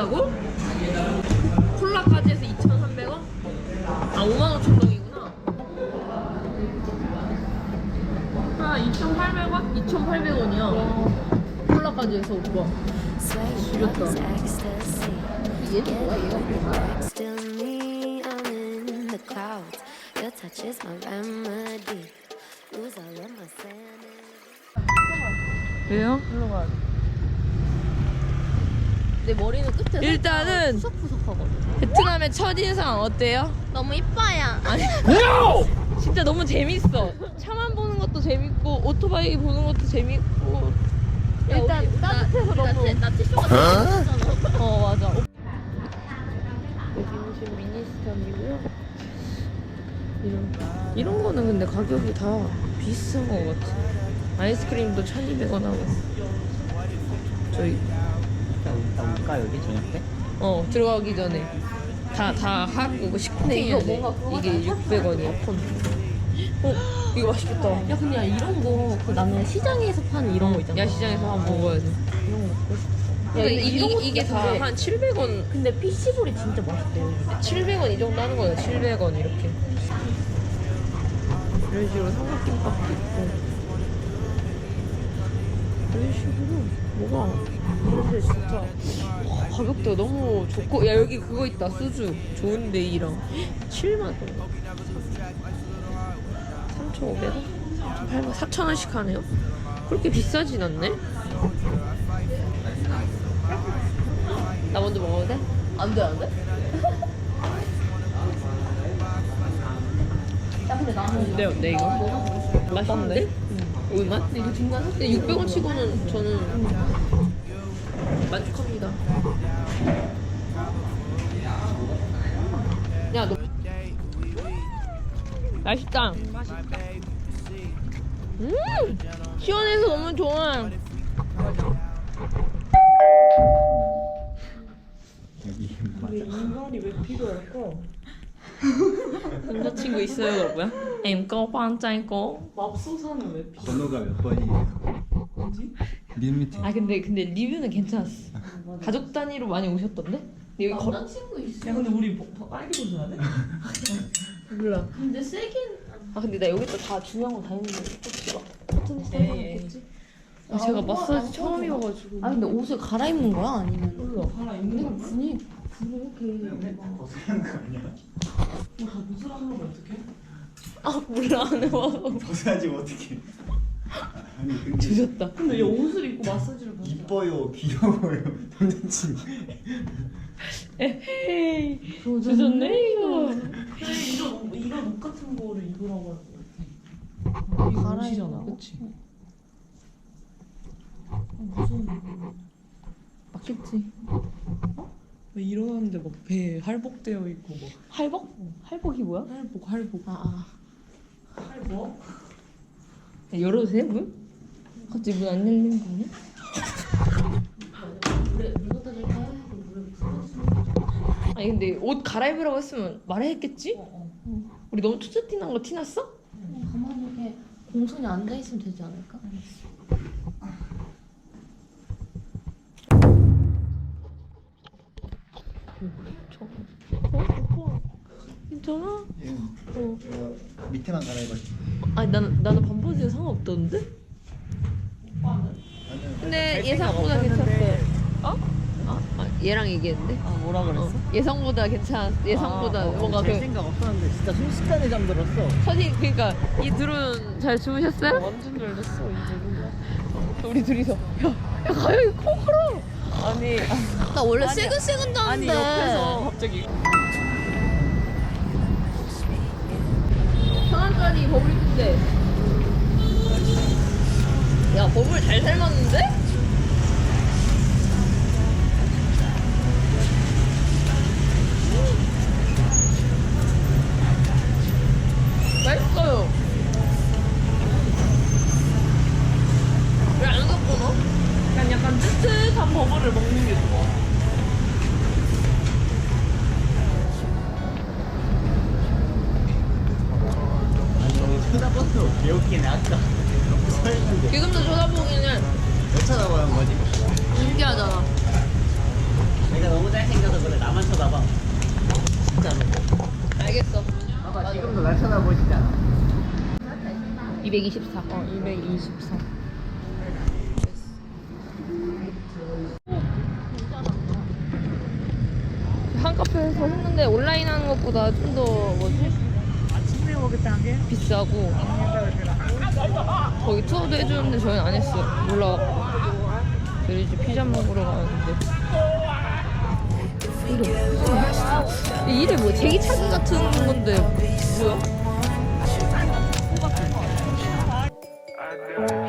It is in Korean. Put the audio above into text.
비싸다고? 콜라까지 해서 2,300원? 아 55,000원이구나. 아 2,800원? 2,800원이야. 콜라까지 해서 오빠. 죽였다. 얘는 뭐야? 얘가 뭐야? 왜요? 일로 가야 돼. 내 머리는 끝에 일단은 푸석푸석하거든. 베트남의 첫인상 어때요? 너무 이뻐요. 아니 진짜 너무 재밌어. 차만 보는 것도 재밌고 오토바이 보는 것도 재밌고 일단 따뜻해서 너무 나 티슈가 너무 예쁘잖아. 맞아. 여기는 지금 미니스탑이고요. 이런 거는 근데 가격이 다 비슷한 거 같아. 아이스크림도 1,200원 하고. 저희 올까 여기 저녁 때? 들어가기 전에 다 하고 식팅해야 돼. 이게 600원이야. 이거 맛있겠다. 야 근데 이런 거 그 남해 시장에서 파는 이런 거 있잖아. 야시장에서 한번 먹어야지. 이런 거 먹고 싶어. 야, 이게 다 한 700원. 근데 피시볼이 진짜 맛있대요. 700원 이 정도 하는 거야. 700원 이렇게. 이런 식으로 삼각김밥도 있고. 이런 식으로 뭐가 이렇게 진짜 가격대가 너무 좋고. 야 여기 그거 있다. 수주 좋은 데이랑 7만원 3,500원? 8만 4,000원씩 하네요. 그렇게 비싸진 않네. 나 먼저 먹어도 돼? 안 돼, 안 돼? 야 근데 나는 네, 어때 이거? 맛있는데? 얼마? 근데 이거 중간에 근데 600원 치고는 저는 만족합니다. 야, 너 맛있다. 시원해서 너무 좋아. 여기 인간이 왜 필요할까? 남자친구 있어요, 여보야? em có quan trai cô. 맙소사는 왜 필요해? 번호가 몇 번이에요? 뭐지? 님 밑에 아 근데 리뷰는 괜찮았어. 가족 단위로 많이 오셨던데? 근데 여기 걸어 남자친구 있어. 야 근데 우리 더 빨리 보셔야 돼? 몰라. 근데 세긴 아 근데 나 여기다 다 중요한 거 다 했는데 혹시 막 같은 데 상관없겠지? 아, 제가 오빠 마사지 안 처음이어가지고. 아 근데 옷을 갈아입는 거야 아니면? 몰라 하나 있는 근데 거 분위기 이렇게 막 벗으라는 거 아니야? 다 무술하면 어떡해? 아 몰라 안 해봐서 벗어야지 어떻게 아니 근데 주셨다. 근데 얘 옷을 입고 마사지를 받아. 이뻐요 귀여워요 남자친구 에헤이 주셨네 이거. 그래 이런 옷 같은 거를 입으라고 하고. 이거 옷이잖아, 그치? 무서운 거. 맞겠지. 왜 일어났는데 막 배 할복되어 있고 막 할복? 할복이 뭐야? 할복 아 할복? 열어도 돼 문? 갑자기 문 안 열리는 거 아니야? 물에 물 갖다 줄까요? 물에 부어주세요. 아니 근데 옷 갈아입으라고 했으면 말했겠지? 우리 너무 투자 티난 거 티났어? 가만히 이렇게 공손히 앉아 있으면 되지 않을까? 괜찮아? 밑에만 갈아입어 아니 나는 반바지에 상관없던데? 근데 예상보다 괜찮았어요. 어? 얘랑 얘기했는데? 뭐라 예상보다 예상보다 뭔가 그 생각 없었는데 진짜 순식간에 잠들었어. 사진 그러니까 이 둘은 잘 주무셨어요? 완전 열렸어 이제. 우리 둘이서 야 가영이 코 걸어. 아니 나 원래 새근새근 아니 자는데 옆에서 갑자기 1,000원짜리 버블인데 야 버블 잘 삶았는데? 맛있어요. 왜 안 갖고 넣어? 그냥 약간 뜨뜻한 버블을 먹는 게 좋아. 아니 쳐다봤어 개웃기네 아까 지금도 쳐다보기는 몇 차가 224. 224. 한 카페에서 했는데 온라인 하는 것보다 좀 더 뭐지? 비싸고 거기 투어도 해주는데 저희는 안 했어요. 몰라갖고 저희 이제 피자 먹으러 가는데 이름 뭐 제기차기 같은 건데 뭐야?